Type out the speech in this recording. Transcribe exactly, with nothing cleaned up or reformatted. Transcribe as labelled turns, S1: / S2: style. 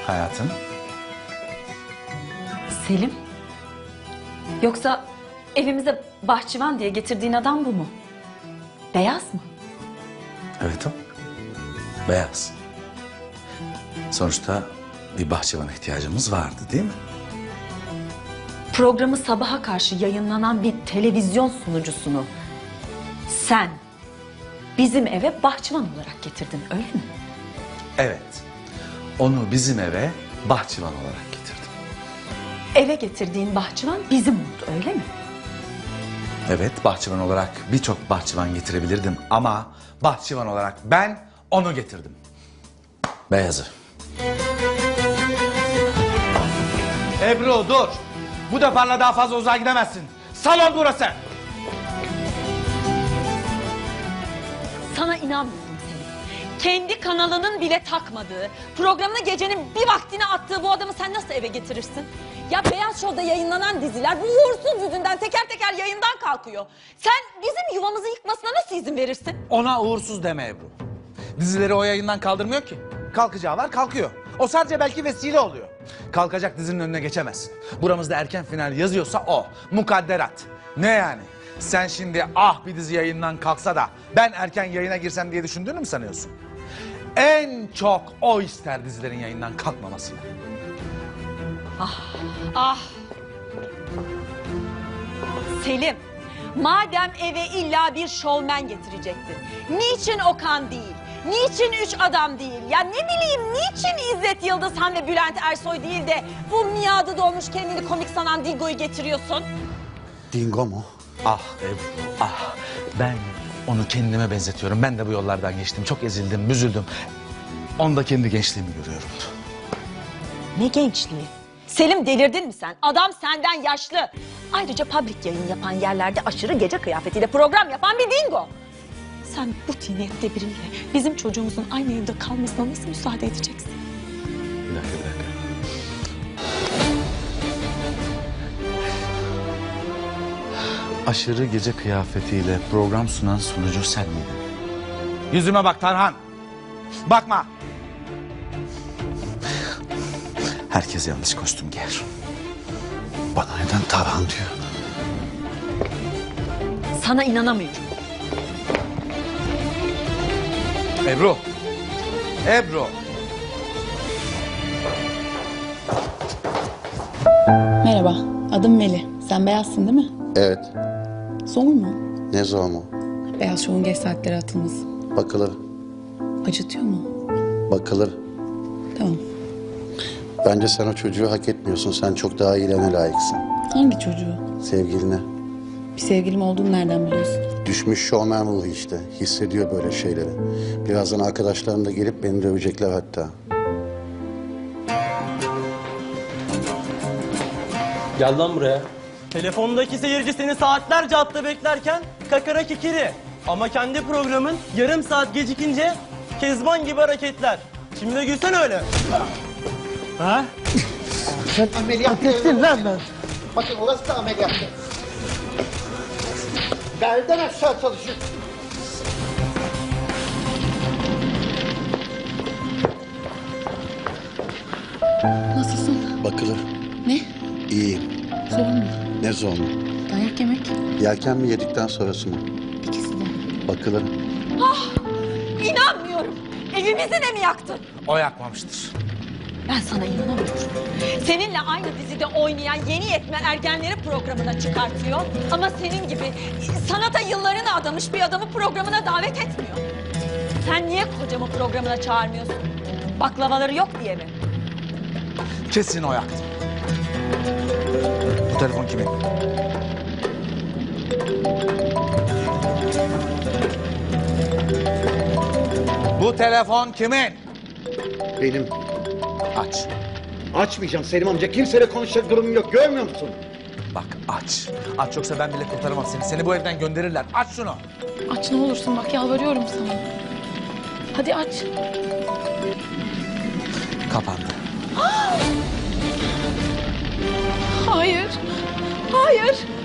S1: hayatım?
S2: Selim? Yoksa evimize bahçıvan diye getirdiğin adam bu mu? Beyaz mı?
S1: Evet o. Beyaz. Sonuçta bir bahçıvana ihtiyacımız vardı değil mi?
S2: Programı sabaha karşı yayınlanan bir televizyon sunucusunu sen bizim eve bahçıvan olarak getirdin, öyle mi?
S1: Evet. Onu bizim eve bahçıvan olarak getirdim.
S2: Eve getirdiğin bahçıvan bizim oldu, öyle mi?
S1: Evet, bahçıvan olarak birçok bahçıvan getirebilirdim ama bahçıvan olarak ben onu getirdim. Beyazı. Ebru dur. Bu defa daha fazla uzağa gidemezsin. Salon burası.
S2: Sana inanmıyorum Selim. Kendi kanalının bile takmadığı, programına gecenin bir vaktini attığı bu adamı sen nasıl eve getirirsin? Ya Beyaz Show'da yayınlanan diziler bu uğursuz yüzünden teker teker yayından kalkıyor. Sen bizim yuvamızı yıkmasına nasıl izin verirsin?
S1: Ona uğursuz deme Ebru. Dizileri o yayından kaldırmıyor ki. Kalkacağı var, kalkıyor. O sadece belki vesile oluyor. Kalkacak dizinin önüne geçemezsin. Buramızda erken final yazıyorsa o. Mukadderat. Ne yani? Sen şimdi ah bir dizi yayından kalksa da ben erken yayına girsem diye düşündüğünü mü sanıyorsun? En çok o ister dizilerin yayından kalkmamasını.
S2: Ah! Selim, madem eve illa bir şovmen getirecektin, niçin Okan değil, niçin üç adam değil, ya ne bileyim niçin İzzet Yıldızhan ve Bülent Ersoy değil de bu miadı dolmuş kendini komik sanan Dingo'yu getiriyorsun?
S3: Dingo mu?
S1: Ah Ebru, ah. Ben onu kendime benzetiyorum. Ben de bu yollardan geçtim. Çok ezildim, büzüldüm. Onda kendi gençliğimi görüyorum.
S2: Ne gençliği? Selim delirdin mi sen? Adam senden yaşlı. Ayrıca public yayın yapan yerlerde aşırı gece kıyafetiyle program yapan bir dingo. Sen bu tiniyette biriyle bizim çocuğumuzun aynı evde kalmasına nasıl müsaade edeceksin?
S1: Bir dakika, bir dakika. Aşırı gece kıyafetiyle program sunan sunucu sen miydin? Yüzüme bak Tarhan. Bakma. Herkes yanlış kostüm giyer.
S3: Bana neden Tarhan diyor?
S2: Sana inanamıyorum.
S1: Ebru. Ebru.
S4: Merhaba, adım Meli. Sen Beyaz'sın değil mi?
S3: Evet.
S4: Zor mu?
S3: Ne zor mu?
S4: Beyaz Show'un geç saatlere atılması.
S3: Bakılır.
S4: Acıtıyor mu?
S3: Bakılır.
S4: Tamam.
S3: Bence sen o çocuğu hak etmiyorsun. Sen çok daha iyilerine layıksın.
S4: Hangi çocuğu?
S3: Sevgiline.
S4: Bir sevgilim olduğunu nereden biliyorsun?
S3: Düşmüş şovmen ruhu işte. Hissediyor böyle şeyleri. Birazdan arkadaşlarım da gelip beni dövecekler hatta.
S5: Gel lan buraya. Telefondaki seyirci seni saatlerce hatta beklerken kakara kikiri. Ama kendi programın yarım saat gecikince Kezban gibi hareketler. Şimdi de gülsen öyle. Ha?
S6: Sen ameliyat ettin lan ben. Bakın orası da ameliyat. Belden aşağı çalışıyor.
S4: Nasılsın?
S3: Bakılır.
S4: Ne?
S3: İyiyim.
S4: Zor mu?
S3: Ne zor mu?
S4: Dayak yemek?
S3: Yerken mi yedikten sonrası mı?
S4: İkisi de.
S3: Bakılır.
S2: İnanmıyorum. Evimizi de mi yaktın?
S1: O yakmamıştır.
S2: Ben sana inanamıyorum. Seninle aynı dizide oynayan yeni yetme ergenleri programına çıkartıyor. Ama senin gibi sanata yıllarını adamış bir adamı programına davet etmiyor. Sen niye kocamı programına çağırmıyorsun? Baklavaları yok diye mi?
S1: Kesin o yaktı. Bu telefon kimin? Bu telefon kimin?
S6: Benim.
S1: Aç.
S6: Açmayacağım Selim amca. Kimseyle konuşacak durumum yok. Görmüyor musun?
S1: Bak aç. Aç yoksa ben bile kurtaramam seni. Seni bu evden gönderirler. Aç şunu.
S4: Aç ne olursun bak yalvarıyorum sana. Hadi aç.
S1: Kapandı.
S4: Hayır. Hayır.